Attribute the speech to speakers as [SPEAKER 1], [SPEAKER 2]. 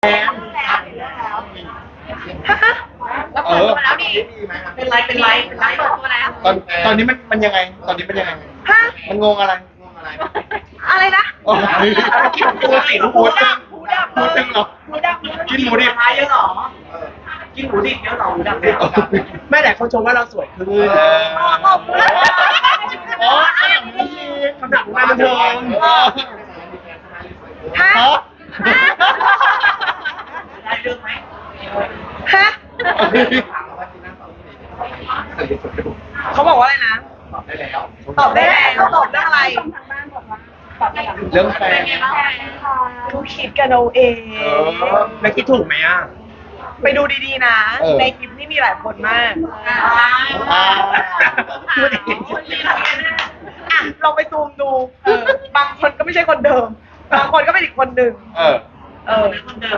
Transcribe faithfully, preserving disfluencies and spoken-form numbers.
[SPEAKER 1] แอน
[SPEAKER 2] แล้วเปิดตัวแล้วดิเป็นไรเป็นไรเป็นไรเปิดตัวแล้ว
[SPEAKER 1] ตอนตอนนี้มันมันยังไง ตอนนี้มันยังไง
[SPEAKER 3] ฮะ
[SPEAKER 1] มันงงอะไร
[SPEAKER 3] อะไรนะ
[SPEAKER 1] โอ้ยกินหมูสิหมูดับ
[SPEAKER 3] หมูดับ
[SPEAKER 1] หมูดับเหรอ
[SPEAKER 3] หมูดับ
[SPEAKER 1] กินหมูดิบ
[SPEAKER 2] เยอะหรอกินหมูดิบเยอะหรอหมูดับเนี่ย
[SPEAKER 4] ไม่แต่เขาชมว่าเราสวยขึ้น
[SPEAKER 1] เออ
[SPEAKER 3] ขอบคุณ
[SPEAKER 1] อ๋อขนาดนี้
[SPEAKER 4] คำถามของงานบันเทิง
[SPEAKER 3] ฮะ
[SPEAKER 1] ฮะ
[SPEAKER 2] ได้เรื่องไหม
[SPEAKER 3] ฮะเขาบอกว่าอะไรนะ ตอบได้แล้วตอบเรื่องอะไร
[SPEAKER 1] เรื่องแฟ
[SPEAKER 2] เป็น
[SPEAKER 1] น
[SPEAKER 2] ไงบ้าง
[SPEAKER 3] ทุกคิดกันเอาเอง
[SPEAKER 1] เออ
[SPEAKER 4] แล้วคิดถูกไหมอ่ะ
[SPEAKER 3] ไปดูดีๆนะ
[SPEAKER 1] เออ
[SPEAKER 3] ในคลิปนี่มีหลายคนมาก
[SPEAKER 2] อ่า
[SPEAKER 1] อ่า
[SPEAKER 2] พูดเองพูดเอง
[SPEAKER 3] อ่ะลองไปซูมดูเออบางคนก็ไม่ใช่คนเดิม บางคนก็เป็นอีกคนหนึ่ง
[SPEAKER 1] เออ
[SPEAKER 3] เออ
[SPEAKER 2] คนเดิม